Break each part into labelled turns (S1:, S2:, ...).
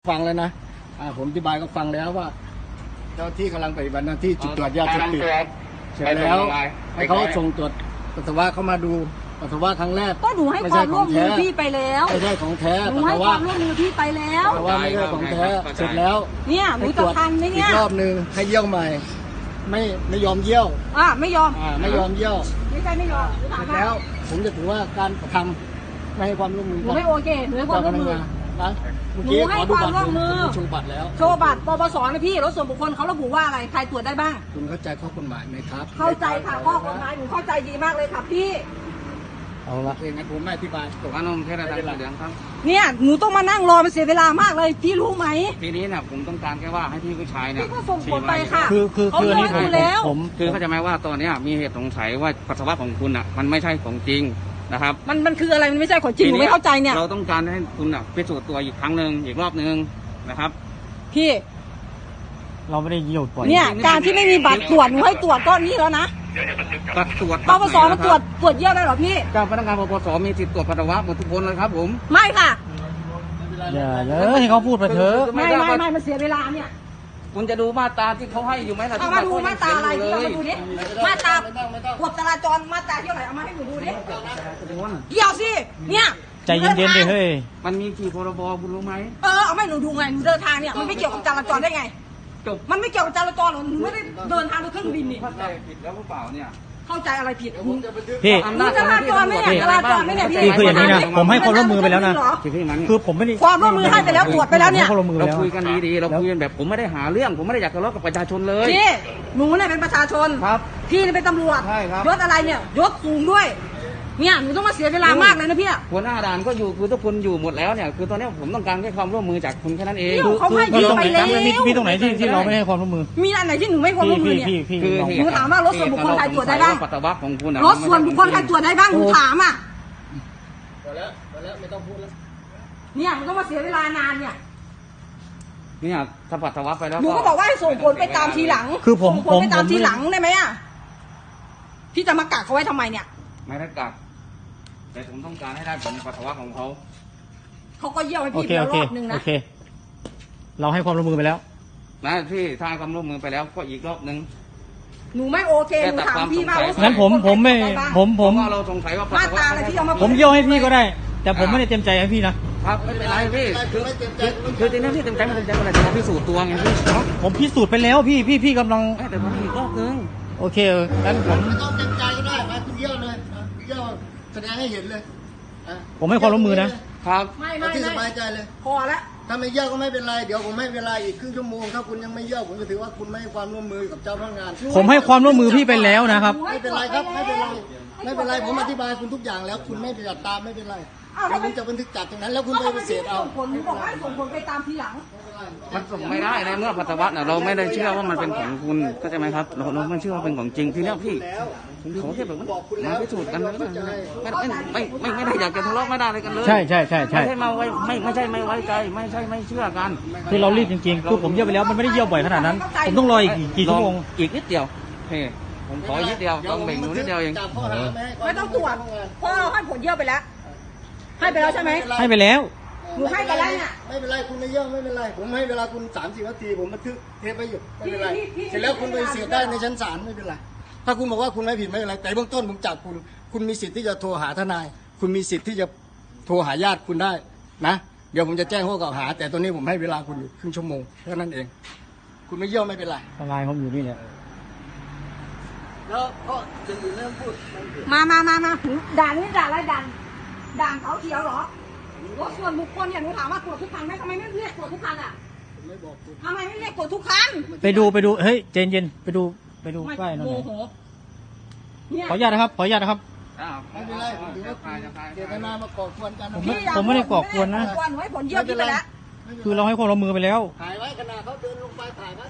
S1: ฟังแล้วนะผมอธิบายก็ฟังแล้วว่าเจ้าที่กำลังปฏิบัติหน้าที่จุดตรวจยาเสพติดเสร็จแล้วให้เขาส่งตรวจปัสสาวะเขามาดูปัสสาวะครั้งแรก
S2: ก็หนูให้ความร่วมมือพี่ไปแล้ว
S1: ไม่ใช่ของแท้
S2: หนูให้ความร่วมมือพี่ไปแล้ว
S1: ปัสสาวะไม่ใช่ของแท้เสร็จแล้ว
S2: เนี่ยหนูจะทันไหมเนี่ย
S1: อีกรอบนึงให้เยี่ยวใหม่ไม่ยอมเยี่ยว
S2: ไม่ยอม
S1: ไม่ยอมเยี่ยว
S2: ไม่ใช่ไม่ยอม
S1: เสร็จแล้วผมจะถือว่าการกระทำไม่ให้ความร่วมมือ
S2: หนูไม่โอเคหนูให้ความร่วมมือหนูให้ความร่วมมือ
S1: โชว์บัตรแล้ว
S2: โชว์บัตรปปสนะพี่รถส่วนบุคคลเขาระบุว่าอะไรใครตรวจได้บ้าง
S1: คุณเข้าใจข้อกฎหมายไหมครับ
S2: เข้าใจค่ะข้อกฎหมายหนูเข้าใจดีมากเลยค่ะพี่
S1: เอาละเองงั้นผมไม่อธิบาย
S3: ตกอารมณ์แค่ระดับเหลืองครับ
S2: เนี่ยหนูต้องมานั่งรอมันเสียเวลามากเลยพี่รู้ไหม
S3: ทีนี้เนี่ยผมต้องการแค่ว่าให้พี่ผู้ชายเนี่ย
S2: พี่ก็ส่งผลไปค่ะ
S1: คืออันนี้
S3: ผมคือเข้าใจไหมว่าตอนนี้มีเหตุสงสัยว่าปัสสาวะของคุณอ่ะมันไม่ใช่ของจริงนะครับ
S2: มันคืออะไรมันไม่ใช่ของจริงหนูไม่เข้าใจเนี่ย
S3: เราต้องการให้คุณอ่ะพิสูจน์ตัวอีกครั้งหนึ่งอีกรอบนึงนะครับ
S2: พี่
S1: เราไม่ได้เยี่ยวปล่อย
S2: เนี่ยการที่ไม่มีบัตรตรวจหนูให้ตรวจก็นี่แล้วนะ
S3: ตรวจ
S2: ปปสมันตรวจเยี่ยวได้หรอพี่
S3: เจ้าพนักงานปปสมีสิทธิ์ตรวจปัสสาวะหมดทุกคนเลยครับผม
S2: ไม่ค่ะ
S1: อย่าเลยให้เขาพูดไปเถอะ
S2: ไม่มันเสียเวลาเนี่ย
S3: คุณจะดูมาตราที่เขาให้อยู่ไหมล่ะ
S2: เอามาดูมาตราอะไรที่เรามาดูดิมาตรากฎจราจรมาตราเท่าไหร่เอามาให้หนูดูดิเกี่ยวสิเนี่ย
S1: ใจเย็นๆดิเฮ้ย
S3: มันมีกี่พรบคุณรู้ไหม
S2: เอาไม่หนูดูไงหนูเดินทางเนี่ยมันไม่เกี่ยวกับจราจรได้ไงมันไม่เกี่ยวกับจราจรหรอหนูไม่ได้เดินทางโดยเครื่องบินนี่
S3: เข้าใจผิดแล้วหรือเปล่าเนี่ย
S2: เข้าใจอะไรผิด
S1: พี่
S2: จราจรไม่เนี่ยจราจรไม่เนี่ย
S1: พี่คืออย่างนี้นะผมให้ความร่วมมือไปแล้วนะคือผมไม่ได้
S2: ความร่วมมือให้ไปแล้วตรวจไปแล้วเนี่ย
S3: เราคุยกันดีๆเราคุยกันแบบผมไม่ได้หาเรื่องผมไม่ได้อยากทะเลาะกับประชาชนเลย
S2: พี่หนูเนี่ยเป็นประชาชน
S3: ครับ
S2: พี่เป็นตำรวจยศอะไรเนี่ยยศสูงด้วยเนี่ยหนูต้องมาเสียเวลามากเลยนะพี่
S3: หัวหน้าด่านก็อยู่คือทุกคนอยู่หมดแล้วเนี่ยคือตอนนี้ผมต้องการแค่ความร่วมมือจากคุณแค่นั้นเอง
S2: เขาให้ยืมไปแล้ว
S1: มีตรงไหนที่เราไม่ให้ความร่วมมือ
S2: มีอันไหนที่หนูไม่ความร่วมมือเนี่ย
S3: คือ
S2: หนูถามว่ารถส่วนบุคคลใครตรวจได้บ้าง
S3: ปัสสาวะของคุณ
S2: รถส่วนบุคคลใครตรวจได้บ้างหนูถามอ่ะ
S1: แล้วไม่ต้องพูดแล้ว
S2: เนี่ยมันต้องมาเสียเวลานานเนี่ย
S3: ถ้าปัสสาวะไปแล้ว
S2: หนูก็บอกว่าให้ส่งผลไปตามทีหลัง
S1: คือผม
S2: ไปตามทีหลังได้ไหมอ่ะพี่จะมากักเขาไว้ทำไมเนี่ย
S3: ไม่ได้กักแต่ผมต้องการให้ได้ผลปัสสาวะของเขา
S2: ก็เยี่ยวให้พี่ไปรอบนึงนะ
S1: โอเคเราให้ความร่วมมือไปแล้ว
S3: นะพี่ถ้าให้ความร่วมมือไปแล้วก็อีกรอบนึง
S2: หนูไม่โอเคหนูถามพี่มา
S1: งั้นผมไม่ผม
S3: เราสงสัยว่า
S2: มาตราอะไรที่เอามา
S1: ผมเยี่ยวให้พี่ก็ได้แต่ผมไม่ได้เต็มใจให้พี่
S3: นะครับไม่เป็นไรพี่คือจริงๆพี่เต็มใจไม่เต็มใจอะไรแต่พิสูจน์ตัวไงพี่
S1: ผมพิสูจน์ไปแล้วพี่กำลัง
S3: แต่ผมอีกรอบนึง
S1: โอเคงั้นผม
S4: ไม่ต้องเต็มใจก็ได้มาคุณเยี่ยวเลยเยี่ยวแสดงให้เห็นเลย
S1: ผมให้ความร่วมมือนะครับ
S2: ไม่
S4: ที่สบายใจเลย
S2: พอแล้ว
S4: ถ้าไม่เยี่ยวก็ไม่เป็นไรเดี๋ยวผมให้เวลาอีกครึ่งชั่วโมงถ้าคุณยังไม่เยี่ยวผมจะถือว่าคุณไม่ให้ความร่วมมือกับเจ้าพนักงาน
S1: ผมให้ความร่วมมือพี่ไปแล้วนะครับ
S4: ไม่เป็นไรครับไม่เป็นไรผมอธิบายคุณทุกอย่างแล้วคุณไม่จัดตามไม่เป็นไรผมจะบันทึกจัดตรงนั้นแล้วคุณไปเสพเอา
S2: ผลบอกว่าส่งผลไปตามทีหลัง
S3: มันส่งไม่ได้ในเมื่อปัสสาวะเราไม่ได้เชื่อว่ามันเป็นของคุณก็ใช่ไหมครับเราไม่เชื่อว่าเป็นของจริงทีนี้พี่ผมขอแค่แบบมาพิสูจน์กันไม่ได้อยากจะทะเลาะไม่ได้อะไรกันเลย
S1: ใช่
S3: ไม่ใช่มาไว้ไม่ใช่ไม่ไว้ใจไม่ใช่ไม่เชื่อกัน
S1: คือเรารีบจริงๆคือผมเยี่ยวไปแล้วมันไม่ได้เยี่ยวบ่อยขนาดนั้นผมต้องรออีกกี่ชั่วโมง
S3: อีกนิดเดียวผมขอนิดเดียวต้องเบ่งหนูนิดเดียวเอง
S2: ไม่ต้องตรวจเพราะเราให้ผลเยี่ยวไปแล้วให้ไปแล้วใช่ไหม
S1: ให้ไปแล้ว
S2: หนูให้ไปแล้วเนี่ย
S4: ไม่เป็นไรคุณไม่เยี่ยมไม่เป็นไรผมให้เวลาคุณ30 นาทีผมบันทึกเทปไปอยู่ไม่เป็นไรเสร็จแล้วคุณไปเสียได้ในชั้นศาลไม่เป็นไรถ้าคุณบอกว่าคุณไม่ผิดไม่เป็นไรแต่เบื้องต้นผมจับคุณมีสิทธิ์ที่จะโทรหาทนายคุณมีสิทธิ์ที่จะโทรหาญาติคุณได้นะเดี๋ยวผมจะแจ้งข้อกล่าวหาแต่ตอนนี้ผมให้เวลาคุณอยู่ครึ่งชั่วโมงแค่นั้นเองคุณไม่เยี่ยมไม่เป็นไร
S1: ทนายผมอยู่นี่แหละ
S4: แล้วก็จะอยู่เรื่องพูด
S2: มาด่านนี้ด่านอะไรด่านเขาเขียวเหรอรถส่วนบุคคลเนี่ยหนูถามว่าตรวจทุกคันไหมทำไมไม่เรียกตรวจทุกคันอ่ะทำไมไม่เรียกตรวจทุกคัน
S1: ไปดูเฮ้ยเย็นไปดูป้ายหน่อยขออนุญาตนะครับ
S4: ไม่เป็นไรถือว่าเจตนามาก่อกวนกัน
S1: ผมไม่ได้ก่อกวนนะ
S2: หนูให้ผลเยี่ยมไปแล้ว
S1: คือเราให้ความร่วมมือไปแล้ว
S4: ถ่ายไว้ขณะเขาเดินลงไปถ่ายไว้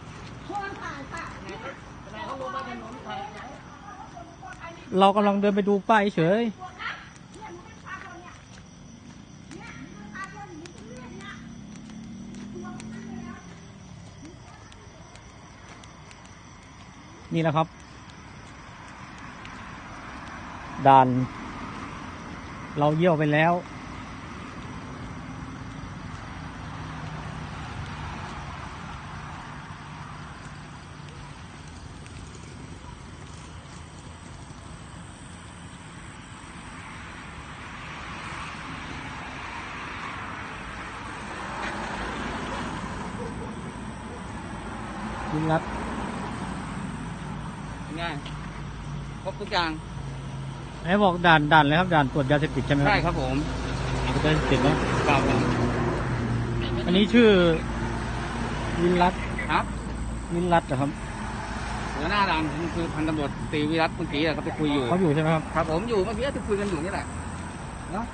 S1: เรากำลังเดินไปดูป้ายเฉยนี่นะครับด่านเราเยี่ยวไปแล้ววินรัตน์
S3: ง่ายครบทุกอย่าง
S1: ไหนบอกด่านเลยครับด่านตรวจยาเสพติดใช่ไหม
S3: ใช่ครับผม
S1: ตรวจยาเสพติดเนาะ
S3: ครับผม
S1: อันนี้ชื่อวินรัตน์
S3: ครับ
S1: วินรัตน์เหรอครับ
S3: หัวหน้าด่านผมคือพันตำรวจตรีวิรัตเมื่อกี้เขาไปคุยอยู่
S1: เขาอยู่ใช่ไหมครับ
S3: ครับผมอยู่เมื่อกี้ที่คุยกันอยู่นี่แหละเนาะ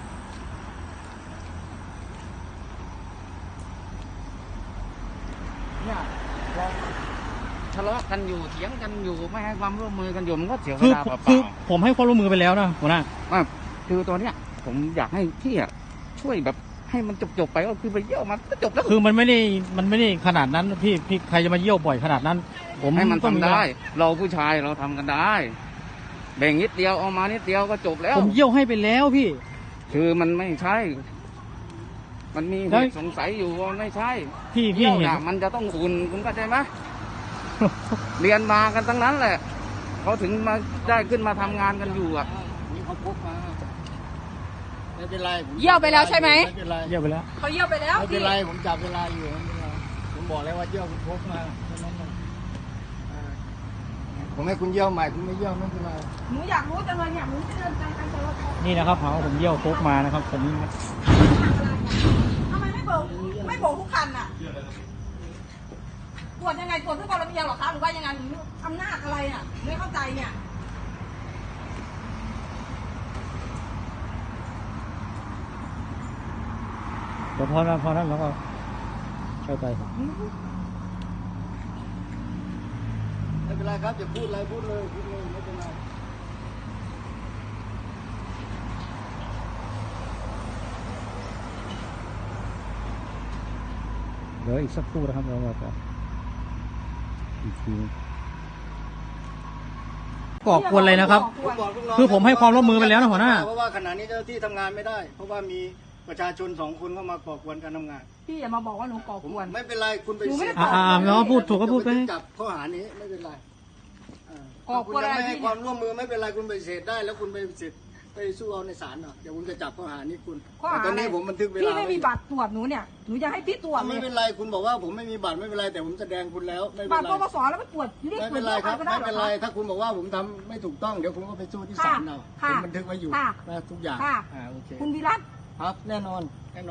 S3: เนี่ยเราทะเลาะกันอยู่เถียงกันอยู่ไม่ให้ความร่วมมือกันอยู่มันก็เสียเว
S1: คือ
S3: ลาเปล่า
S1: คือผมให้ความร่วมมือไปแล้วนะหัวหน้า
S3: ๆว่าคือตัวเนี้ยผมอยากให้พี่อะช่วยแบบให้มันจบๆไปก็คือไปเยี่ยวมันก็จบแล้ว
S1: คือมันไม่ได้ขนาดนั้นพี่ใครจะมาเยี่ยวบ่อยขนาดนั้น ผม
S3: ให้มัน
S1: ต้อง
S3: ทำได้ เราผู้ชายเราทำกันได้ แบ่งนิดเดียวเอามานิดเดียวก็จบแล้ว
S1: ผมเยี่ยวให้ไปแล้วพี่
S3: คือมันไม่ใช่ มันมีเห
S1: แล้ว
S3: ตุสงสัยอยู่ว่าไม่ใช่
S1: พี่
S3: เยี่ยว
S1: เห็น
S3: น่ะมันจะต้องอุ่นคุณเข้าใจไหม เรียนมากันทั้งนั้นแหละเขาถึงมาได้ขึ้นมาทำงานกันอยู่อ่ะ
S4: นี่เขาพกมาไม่เป็นไรผม
S2: เยี่ยวไปแล้วใช่ไหม
S4: ไม่เป็นไร
S1: เยี่ยวไปแล้ว
S2: เขาเยี่ยวไปแล้ว
S4: ไม่เป็น
S2: พี่
S4: ไรผมจับเวลาอยู่ไม่เป็นไรผมบอกแล้วว่าเยี่ยวคุณพกมาแค่นั้นเองผมให้คุณเยี่ยวใหม่คุณไม่เยี่ยวไม่เป็นไร
S2: หนูอยากรู้จังเลยเนี่ยหนูจะเดินทางไปตลอด
S1: นี่นะครับหาว่าผมเยี่ยวโคกมานะครับผม
S2: ทำไมไม่เบิกทุกคันอ่ะตรวจยังไงตรวจเพื่อความระเบียบเหรอคะหรือว่ายังไงหรืออำนาจอะไรอ่ะไม่เข้าใจเนี่ย
S1: เดี๋ยวพอนั้นแล้วก็เข้าใจ
S4: ไม่เป็นไรครับอย่าพูดอะไรพูดเลยไม่เป็นไร
S1: เดี๋ยวอีกสักครู่นะครับเราจะอีกทีก่อกวนเลยนะครับ
S4: ผมบอกลูกน้ง
S1: คือผมให้ความร่วมมือไปแล้วนะหัวหน้า
S4: เพราะว่าขณะนี้เจ้าหน้าที่ทำงานไม่ได้ เพราะว่ามีประชาชน2 คนเข้ามาก่อกวนการทำงาน
S2: พี่อย่ามาบอกว่าหนูก่อกวน
S4: ไม่เป็นไรคุณไป
S2: หนูไม่
S4: เสี
S2: ได้
S4: ย
S1: น้องพูดถูกก็พูดไป
S4: จับข้อหานี้ไม่เป็นไร
S2: ก่อกวนอะไร
S4: คุณยังไม่ให้
S2: พี่
S4: ความร่วมมือไม่เป็นไรคุณไปเสร็จได้แล้วคุณไปเสร็จไปสู้เอาในศาลเนาะเดี๋ยวผมจะจับข้อหานี้คุณ
S2: ข้อหา
S4: แต่ตอนนี้ผมบันทึกเวลา
S2: พี่ไม่มีบัตรตรวจหนูเนี่ยหนูจะให้พี่ตรวจเล
S4: ไม่
S2: ย
S4: เป็นไรคุณบอกว่าผมไม่มีบัตรไม่เป็นไรแต่ผมแสดงคุณแล้วไม่เป็
S2: บัต
S4: น
S2: ร
S4: ไร
S2: ปปสแล้วไปตรวจเรียก
S4: ไม่
S2: ตรว
S4: เป็
S2: จ
S4: นไร
S2: เพื่อ
S4: ค
S2: ใคร
S4: รับ
S2: ก็ได้
S4: ไม่
S2: เหร
S4: เป็น
S2: อ
S4: ไร
S2: คะ
S4: ถ้าคุณบอกว่าผมทำไม่ถูกต้องเดี๋ยวคุณก็ไปสู้ที่ศาลเอาผ
S2: ค่ะ
S4: มบันทึกไว้อยู่
S2: ค่ะ
S4: นะทุกอย่าง
S2: ค่ะ
S4: โอเค
S2: คุณวิรัต
S4: ครับแน่นอน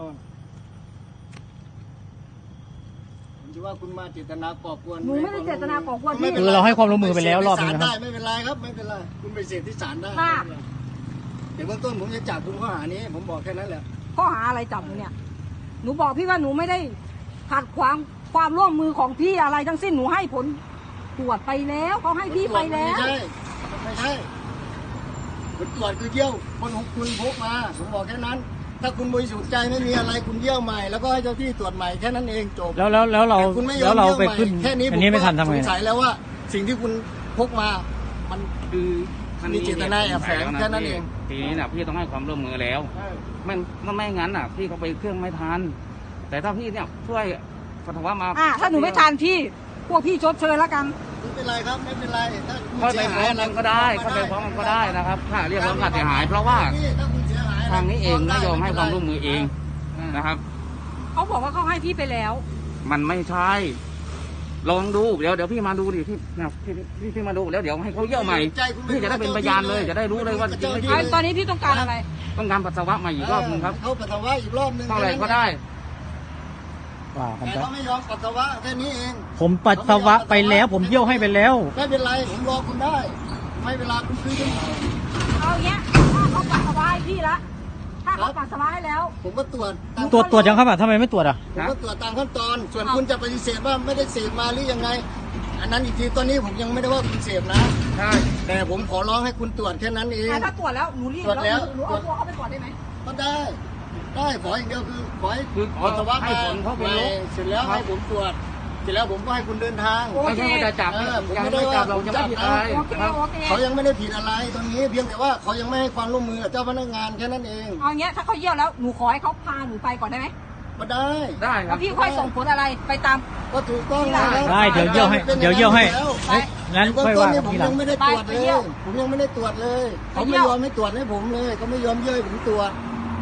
S4: ผมคิดว่าคุณมาเจตนาก่อกวน
S2: หนูไม่ได้เจตนาก่อกวน
S4: ไม่
S2: พี่
S4: ป็น
S1: คือเราให้ความร่วมมือไปแล้วรอบนึงนะครับ
S4: ได้ไม่เป็นไรครับไม่เป็นไรคุณไปเสร็จที่ศาลได้
S2: ค่ะ
S4: ไม่เป็นไรเดี๋ยวเบื้องต้นผมจะจับคุณข้อหานี้ ผมบอกแค่นั้นแหละ
S2: ข้อหาอะไรจับหนูเนี่ย หนูบอกพี่ว่าหนูไม่ได้ขัดขวางความร่วมมือของพี่อะไรทั้งสิ้นหนูให้ผลตรวจไปแล้วเขาให้พี่ไปแล้ว
S4: ไม่ใช่ผลตรวจคือเยี่ยวคนของคุณพกมาผมบอกแค่นั้น ถ้าคุณบริสุทธิ์ใจไม่มีอะไรคุณเยี่ยวใหม่แล้วก็ให้เจ้าที่ตรวจใหม่แค่นั้นเองจบ
S1: แล้วเรา
S4: แต่คุณไม่ยอ
S1: แล้
S4: ม
S1: วเรา
S4: เยี่ยว
S1: ไป
S4: ใหม่
S1: ขึ้น
S4: แค่นี้
S1: อันนี้ไม่ทันทำ
S4: ส
S1: ไง
S4: งสัยแล้วว่า สิ่งที่คุณพกมามัน
S3: คือมัน
S4: มีเจตนาแอบแฝงแค่นั้นเอง
S3: ทีนี้น่ะพี่ต้องให้ความร่วมมือแล้ว ไม่งั้นน่ะ พี่เขาไปเครื่องไม่ทัน แต่ถ้าพี่เนี่ยช่วยปัสสาวะมา
S2: ถ้าหนูไม่ทานพี่ พวกพี่ชดเชยแล้วกัน
S4: ไม่เป็นไรครับไม่เป็นไรถ้าคุณ
S3: เข้าไป
S4: เสีย
S3: ฟ้
S4: หา
S3: อย ง
S4: อะไร
S3: มันก็ได้เข้าไปฟ้องมันก็ได้นะครับค่าเรียกร้องค่าเสียหาย เพราะว่า
S4: ถ้าคุณเสียหาย
S3: ทางนี้เองไม่ยอมให้ความร่วมมือเองนะครับ
S2: เขาบอกว่าเขาให้พี่ไปแล้ว
S3: มันไม่ใช่ ลองดูเดี๋ยวพี่มาดูดิพี่มาดูแล้วเดี๋ยวให้เขาเยี่ยวใหม่พี่จะได้เป็นพยานเลยจะได้รู้เลยว่าจริงไม่จริง
S2: ตอนนี้พี่ต้องการอะไร
S3: ต้องการปัสสาวะใหม่อีกรอบนึงครับ
S4: เขาปัสสาวะอีกรอบนึง
S3: เท่าไหร่ก็ได้
S1: ว่ากัน
S4: แต่
S1: ไป
S4: เขาไม่ยอมปัสสาวะแค่นี้เอง
S1: ผมปัสสาวะไปแล้ว ผมเยี่ยวให้ไปแล้ว
S4: ไม่เป็นไรผมรอคุณได้ ไม่เวลาคุณคืนกัน
S2: เอาอย่างเงี้ยถ้าเขาปัสสาวะให้พี่ละถ้าเขาปัสสาวะให้แล้ว
S4: ผมก็ตรวจ
S1: ตรวจยังครับทำไมไม่ตรวจอ่ะ
S4: ผมก็ตรวจตามขั้นตอน ส่วนคุณจะปฏิเสธว่าไม่ได้เสพมาหรือยังไง อันนั้นอีกทีตอนนี้ผมยังไม่ได้ว่าคุณเสพนะ
S3: ใช่
S4: แต่ผมขอร้องให้คุณตรวจแค่นั้นเอง
S2: ถ้าตรวจแล้วหนูรีบ
S4: ตรวจแล้ว
S2: หนูเอาตัวเขาไปก่อนได้ไหม
S4: ก็ได้ ขออย่างเดียวคือขอให้
S3: คือขอ
S4: ปัสสาวะ
S3: ให้
S4: มา
S3: ผลเขาเป็นลบ
S4: เสร็จแล้วให้ผมตรวจ เสร็จแล้วผมก็ให้คุณเดินทาง
S3: ไม่ใช่ว่าจะจับ
S4: ผม
S3: ยัง
S4: ไม่
S3: ไม่
S4: ได้
S3: จั
S4: ว่า
S3: บเรา
S4: ผม
S3: จะ
S4: จั
S3: ไม่
S4: บ
S3: ผิด
S4: นะ
S3: อะไร
S2: โอเค
S3: ครับ
S2: โอเค
S4: เขายังไม่ได้ผิดอะไรตรงนี้เพียงแต่ว่าเขายังไม่ให้ความร่วมมือกับเจ้าพนักงานแค่นั้นเอง
S2: เอาอย่างเงี้ยถ้าเขาเยี่ยวแล้วหนูขอให้เขาพาหนูไปก่อนได้ไหม
S4: ก็ได้
S3: ได้ค
S2: แล้
S3: รั
S2: ว
S3: บ
S2: พี่ค่อยส่งผลอะไรไปตาม
S4: ก็ถูกต้อง
S2: ได้
S1: ได้เดี๋ยวเยี่ยวให้เดี๋ยวเยี่ยวให้เฮ้ยงั้น
S4: เบื้อง
S1: ค่อย
S4: ต้น
S1: ว่า
S4: นี่
S1: กัน
S4: ผม
S1: ทีหลั
S4: ยัง งไม่ได้ตรวจเล
S2: ไปเยี่
S4: ย
S2: ยว
S4: ผมยังไม่ได้ตรวจเลยเขาไม่ยอมให้ตรวจให้ผมเลยเขาไม่ยอมเยื่อให้ผมตรวจ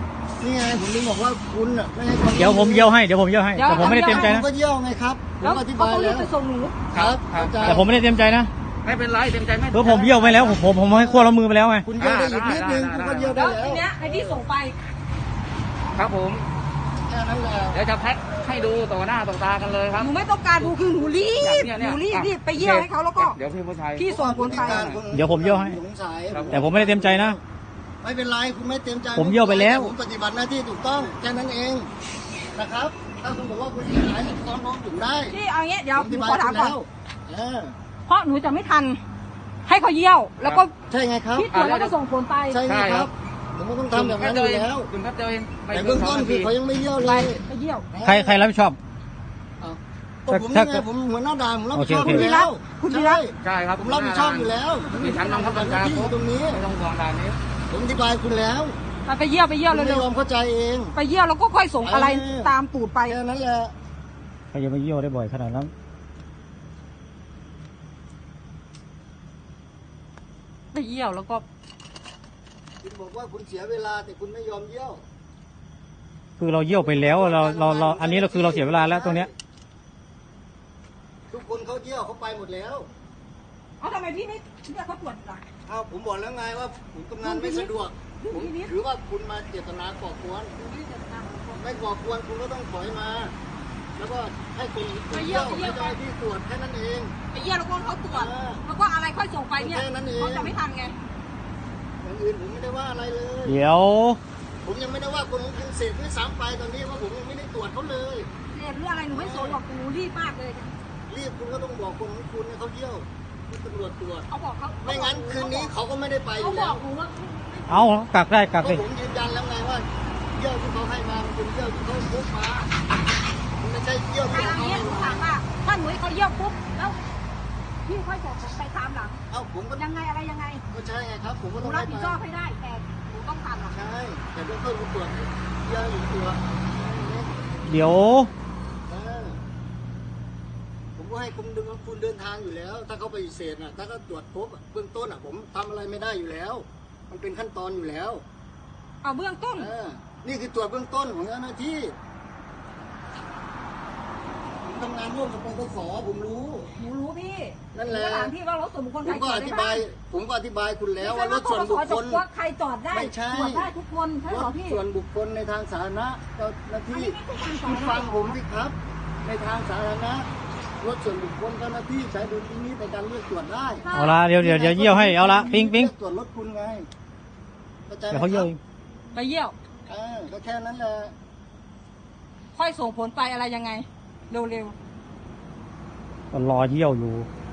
S4: นี่ไงผมถึงบอกว่าคุณอ่ะไม่ให้ความ
S5: เดี๋ยวผมเยี่ยวให้แต่ผมไม่ได้เต็มใจ
S4: ผม
S5: นะ
S4: ก็เยี่ยวไงครับผม
S2: แล้ว
S4: ก็อธิ
S2: เขา
S4: บาย
S2: ต้องรี
S4: แล้
S2: บ
S4: ว
S2: ไปส่งหนู
S4: ครับเข้าใจ
S5: แต่ผมไม่ได้เต็มใจนะ
S3: ไม่เป็นไรเต็มใจไม่
S5: ผมเยี่ยวไปแล้วผมให้ขั้วละมือไปแล้วไง
S4: คุณเยี่ยวได้อีกนิดนึงคุณก็เยี่ยวได้
S2: แล้ว
S4: แล้ว
S2: ทีเนี้ยไอ้ที่ส่งไป
S3: ครับผม
S4: แค่นั้นแหละ
S3: เดี๋ยวจะแพ็คให้ดูต่อหน้าต่อตากันเลยครับ
S2: หนูไม่ต้องการดูคือหนูรีบ
S3: เนี่ย
S2: หนูรีบ
S3: อ่ะ
S2: รีบไปเยี่ยวให้เขาแล้วก็
S3: เดี๋ยวพี่ผู้ชาย
S2: พี่ส่งผลไป
S5: เดี๋ยวผมเยี่ยวให้
S4: สงสัย
S5: แต่ผมไม่ได้เต็มใจนะ
S4: ไม่เป็นไรคุณไม่เต็มใจ
S5: ผมเยี่ยวไปแล้ว
S4: ผมปฏิบัติหน้าที่ถูกต้องแค่นั้นเองนะครับ ถ้าคุณบอกว่าคุณเสียหายฟ้องร้องผมได้
S2: พี่เอางี้เดี๋ยว
S4: ผม
S2: ห
S4: อ
S2: นู
S4: ธิบาย
S2: ขอถามก่อน
S4: แล้วเออ
S2: เพราะหนูจะไม่ทัน ให้เขาเยี่ยว แล้วก็
S4: ใช่ไงครับ
S2: พี่ตรวจแล้วก็ส่งผลไป
S4: ใช่ไงครับผมก็ต้องทำแบบนั้นอยู่แล้ว
S3: คุณแป๊บเดียวเอง
S4: แต่เบื้องต้นคือเขายังไม่เยี่ยวเลย
S2: ไปเยี่ยว
S5: ใครรับผิดชอบ
S4: ก็ผมนี่ไงผมหัวหน้าด่านผมรับผิดชอบ
S5: โอ
S4: อ
S5: เค
S4: ยู่แล้ว
S2: คุณดีแล้ว
S3: ใช่ครับ
S4: ผมรับผิดชอบอยู่แล้ว
S3: มีชั้นนำเข้าบัญชา
S4: ที่อยู่ตรงนี้
S3: ไม่ต้องห่วงด่านนี้
S4: ผมอธิบายคุณแล้ว
S2: ไปเยี่ยวไปเยี่ยว
S4: คุณไม่
S2: เร็วย
S4: อมเข้าใจเอง
S2: ๆไปเยี่ยวแล้วก็ค่อยส่งอะไรตามตูดไป
S4: แค่นั้นแหละ
S5: ใครจะมาเยี่ยวได้บ่อยขนาดนั้น
S2: ไปเยี่ยวแล้วก็
S4: คุณบอกว่าคุณเสียเวลาแต่คุณไม่ยอมเยี่ยว
S5: คือเราเยี่ยวไปแล้วเราอันนี้เราคือเราเสียเวลาแล้วตรงเนี้ย
S4: ทุกคนเขาเยี่ยวเขาไปหมดแล้ว
S2: เอาทำไมพี่ไม่เรียกเขาตรวจล่ะ
S4: อ้าวผมบอกแล้วไงว่าผมทำงานไม่สะดวกผมถือว่าคุณมาเจตนาก่อกวนไม่ก่อกวนคุณก็ต้องถอยมา แล้วก็ให้คนเยี่ยวไม่ได้ที่ตรวจแค่นั้นเอง
S2: ไปเยี่ยวแล้วก็เขาตรวจแล้วก็อะไรค่อยส่งไปเนี่ย
S4: แค่นั้นเอง
S2: เขาจะไม่ทันไง
S4: อย่างอื่นผมไม่ได้ว่าอะไรเลย
S5: เดี๋ยว
S4: ผมยังไม่ได้ว่าคนของคุณเสพด้วยซ้ำไปตอนนี้ว่าผมยังไม่ได้ตรวจเขาเลย
S2: เรียนหรืออะไรหนูไม่สนหรอกหนูรีบมากเลย
S4: รีบคุณก็ต้องบอกคนของคุณให้เขาเยี่ยวให้ตำรวจตรวจ
S2: เขาบอกเขา
S4: ไม่งั้นคืนนี้เขาก็ไม่ได้ไปอ
S2: เขา
S4: ยู่
S2: บ
S4: แล้
S2: อ
S4: ว
S2: กหนูว่า
S5: เอากักได้กัก
S4: ก็
S5: เลย
S4: ผมยืนยันแล้วไงว่าเยี่ยวที่เขาให้มามันเป็นเยี่ยวที่เขาพกมามันไม่ใช่เยี่ยวที่
S2: ถ้า
S4: เขา
S2: อย่าง
S4: ให้
S2: นี้หนู
S4: มา
S2: ถามว่าถ้าหนูให้เขาเยี่ยวปุ๊บแล้วพี่ค่อยส่งไปตามหลัง
S4: เอ้าผมก็
S2: ยังไงอะไรยังไง
S4: ก็ใช่ไงครับ ผมก็
S2: หนู
S4: ต้อง
S2: รั
S4: ให้
S2: บผิด
S4: มา
S2: ชอบให้ได้แต่หนูต้องทำหรอก
S4: ใช่แต่เบื้องต้นคุณตรวจเยี่ยวอยู่ตัว
S5: เดี๋ยว
S4: เออผมก็ให้คุณดึงคุณเดินทางอยู่แล้ว ถ้าเขาไปฏิเสธน่ะถ้าเขาตรวจพบเบื้องต้นอ่ะ ผมทำอะไรไม่ได้อยู่แล้ว มันเป็นขั้นตอนอยู่แล้ว
S2: เอาเบื้องต้น
S4: นี่คือตรวจเบื้องต้นของเจ้าหน้าที่ผมทำงานร่วมกับปปสผมรู้
S2: หนูรู้พี่
S4: นั่นแหละ
S2: หนูถามพี่ว่ารถส่วนบุคคล
S4: ผ
S2: ใคร
S4: ม
S2: จ
S4: ก็
S2: อ
S4: อ
S2: ดได้
S4: ธิ
S2: บ้า
S4: บาง ย ผมก็อธิบายคุณแล้ว
S2: ไม่
S4: ว่า
S2: ใช่
S4: ร
S2: ว่า
S4: ถส่วนบุคคล
S2: ว่าใครจอดได้
S4: ไม่ใช่
S2: ตรวจได้ทุกคนใช่
S4: ร
S2: เหรอ
S4: ถ
S2: พี่
S4: ส่วนบุคคลในทางสาธารณะเจ้าหน้า
S2: อัน
S4: ที่
S2: นี้ไม่ใช่การสอ
S4: คุ
S2: น
S4: ณฟังผมสิครับ ในทางสาธารณะรถส่วนบุคคลเจ้าหน้าที่ใช้ดุลพินิจในการเลือกตรวจได้
S5: เอาละเดี๋ยวเยี่ยวให้เอาละปิ๊ง
S4: เลือกตรวจรถคุณไงเข้าใจไหม
S5: เดี๋ยวเขาเยี่ยวเอง
S2: ไปเยี่ยว
S4: ก็แค่นั้นแหละ
S2: ค่อยส่งผลไปอะไรยังไง เร็ว
S5: ก็รอเยี่ยวอยู่
S2: ๆ